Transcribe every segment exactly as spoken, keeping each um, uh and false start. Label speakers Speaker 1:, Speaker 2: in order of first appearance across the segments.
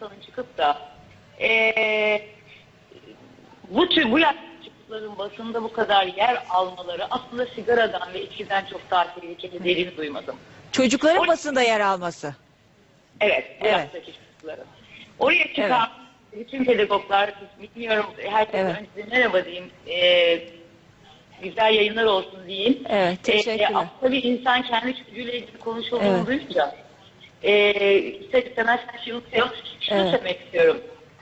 Speaker 1: insanın çıkıp da ee, bu tür bu yaş çocukların basında bu kadar yer almaları aslında sigaradan ve içkiden çok daha tehlikeli dediğini duymadım.
Speaker 2: Çocukların
Speaker 1: O,
Speaker 2: basında yer alması.
Speaker 1: Evet, bu
Speaker 2: Evet.
Speaker 1: yaştaki çocukların. Oraya çıkan evet. bütün pedagoglar, bilmiyorum, herkese evet. önce merhaba diyeyim, ee, güzel yayınlar olsun diyeyim.
Speaker 2: Evet, teşekkürler.
Speaker 1: Ee, tabii insan kendi çocuğuyla ilgili konuşulduğunu evet. duyunca e, ister istemez her şeyi unutuyor. Şunu evet. söylemek istiyorum.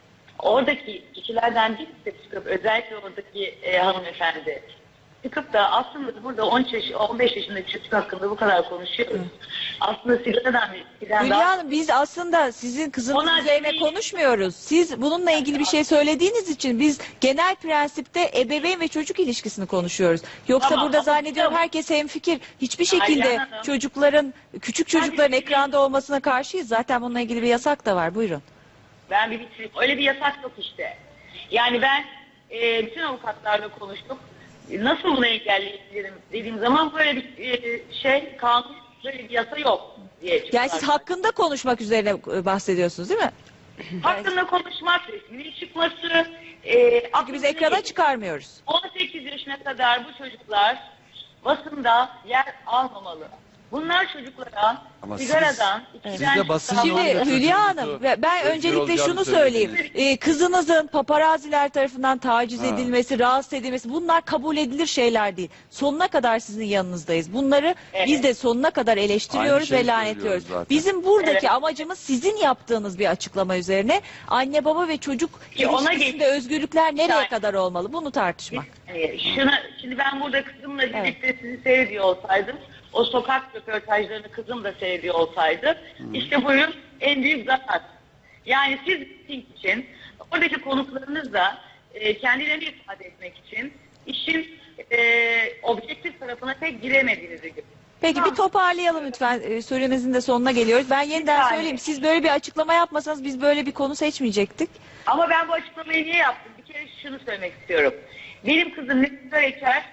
Speaker 1: Oradaki kişilerden birisi çıkıp, özellikle oradaki e, hanımefendi çıkıp da aslında burada on yaş, on beş yaşındaki çocuk hakkında bu kadar konuşuyoruz. Hı. Aslında sigaradan
Speaker 2: Hülya daha... Hanım, biz aslında sizin kızınız Ona üzerine değil. konuşmuyoruz. Siz bununla ilgili bir şey söylediğiniz için biz genel prensipte ebeveyn ve çocuk ilişkisini konuşuyoruz. Yoksa tamam, burada zannediyorum herkes hemfikir. Hiçbir şekilde çocukların, küçük çocukların ekranda olmasına karşıyız. Zaten bununla ilgili bir yasak da var. Buyurun.
Speaker 1: Ben bir bitireyim. Öyle bir yasak yok işte. Yani ben e, bütün avukatlarla konuştum. Nasıl bunu engelleyebilirim dediğim zaman böyle bir e, şey, kanun, böyle bir yasa yok diye.
Speaker 2: Yani siz hakkında konuşmak üzerine bahsediyorsunuz değil mi?
Speaker 1: Hakkında konuşmak, resminin çıkması. E,
Speaker 2: Çünkü biz ekrana değil. çıkarmıyoruz.
Speaker 1: on sekiz yaşına kadar bu çocuklar basında yer almamalı. Bunlar çocuklara ama sigaradan,
Speaker 3: siz,
Speaker 1: içkiden...
Speaker 2: Şimdi Hülya Hanım, ben öncelikle şunu söyleyeyim. Ee, kızınızın paparaziler tarafından taciz ha. edilmesi, rahatsız edilmesi, bunlar kabul edilir şeyler değil. Sonuna kadar sizin yanınızdayız. Bunları evet. biz de sonuna kadar eleştiriyoruz ve lanetliyoruz. Bizim buradaki evet. amacımız sizin yaptığınız bir açıklama üzerine anne baba ve çocuk ilişkisinde özgürlükler nereye yani. kadar olmalı? Bunu tartışmak.
Speaker 1: Biz, şuna, şimdi ben burada kızımla birlikte evet. sizi seyrediyor olsaydım, o sokak röportajlarını kızım da seyrediyor olsaydı, hmm. işte buyurun en büyük zarar. Yani siz için, oradaki konuklarınızla e, kendilerini ifade etmek için işin e, objektif tarafına pek giremediğinizi gibi.
Speaker 2: Peki tamam. bir toparlayalım lütfen. E, süremizin de sonuna geliyoruz. Ben yeniden söyleyeyim. Siz böyle bir açıklama yapmasanız biz böyle bir konu seçmeyecektik.
Speaker 1: Ama ben bu açıklamayı niye yaptım? Bir kere şunu söylemek istiyorum. Benim kızım ne sigara içer,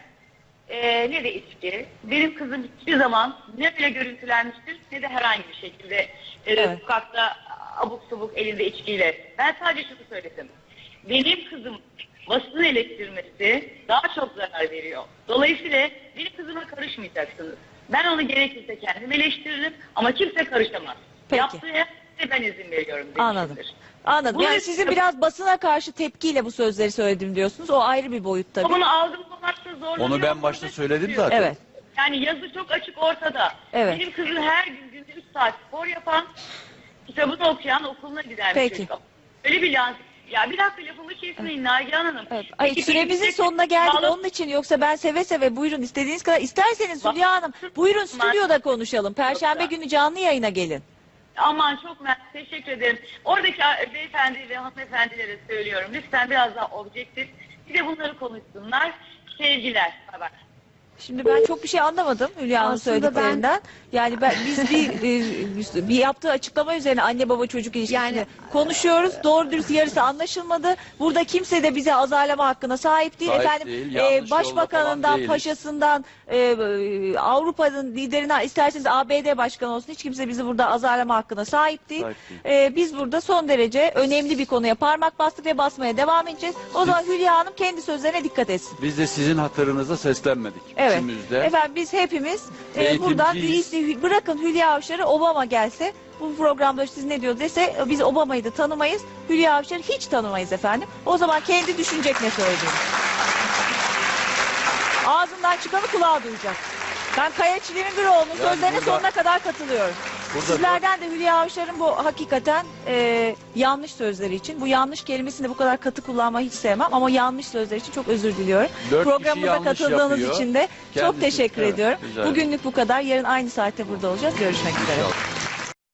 Speaker 1: Ee, ne de içki. Benim kızım hiçbir zaman ne bile görüntülenmiştir ne de herhangi bir şekilde e, evet. sokakta abuk subuk elinde içkiyle. Ben sadece şunu söyledim. Benim kızım basın eleştirmesi daha çok zarar veriyor. Dolayısıyla benim kızıma karışmayacaksınız. Ben onu gerekirse kendim eleştiririm ama kimse karışamaz.
Speaker 2: Peki.
Speaker 1: Yaptığı her ben izin veriyorum.
Speaker 2: Anladım. Anladım. Yani sizin biraz basına karşı tepkiyle bu sözleri söyledim diyorsunuz. O ayrı bir boyut tabii.
Speaker 1: Bunu algılamakta zorlanıyorum.
Speaker 3: Onu ben başta söyledim zaten.
Speaker 2: Evet.
Speaker 1: Yani yazı çok açık ortada. Evet. Benim kızım her gün günde üç saat spor yapan, kitabını okuyan, okuluna giden bir çocuk. Öyle bir lan. Ya bir dakika lafımı kesmeyin Nagihan Hanım.
Speaker 2: Evet. Ay, süremizin sonuna geldik bağlı... onun için, yoksa ben seve seve buyurun istediğiniz kadar. İsterseniz Hülya Hanım buyurun stüdyoda konuşalım. Perşembe günü canlı yayına gelin.
Speaker 1: Aman çok mersi, teşekkür ederim. Oradaki beyefendi ve hanımefendilere söylüyorum. Lütfen biraz daha objektif. Bir de bunları konuşsunlar. Sevgiler. Bak.
Speaker 2: Şimdi ben çok bir şey anlamadım Hülya Hanım söylediklerinden. Ben... Yani ben, biz bir, bir, bir yaptığı açıklama üzerine anne baba çocuk ilişkisini yani, konuşuyoruz. Doğru dürüst yarısı anlaşılmadı. Burada kimse de bize azarlama hakkına sahip değil.
Speaker 3: Sahip
Speaker 2: Efendim
Speaker 3: değil,
Speaker 2: e, başbakanından, paşasından, e, Avrupa'nın liderinden, isterseniz A B D başkanı olsun, hiç kimse bizi burada azarlama hakkına sahip değil. Sahip değil. E, biz burada son derece önemli bir konuya parmak bastık ve basmaya devam edeceğiz. O zaman Hülya Hanım kendi sözlerine dikkat etsin.
Speaker 3: Biz de sizin hatırınıza seslenmedik.
Speaker 2: Evet. İçimizde. Efendim biz hepimiz e, buradan bırakın Hülya Avşar'ı Obama gelse bu programda siz ne diyor dese biz Obama'yı da tanımayız. Hülya Avşar'ı hiç tanımayız efendim. O zaman kendi düşünecek ne söylediğini. Ağzından çıkanı kulağa duyacak. Ben Kaya Çileminbiroğlu'nun yani sözlerine burada... sonuna kadar katılıyorum. Burada Sizlerden de Hülya Avşar'ın bu hakikaten e, yanlış sözleri için, bu yanlış kelimesini de bu kadar katı kullanmayı hiç sevmem ama yanlış sözler için çok özür diliyorum. Programımıza katıldığınız yapıyor. için de Kendisi, çok teşekkür evet, ediyorum. Bugünlük bu kadar. Yarın aynı saatte burada olacağız. Görüşmek üzere.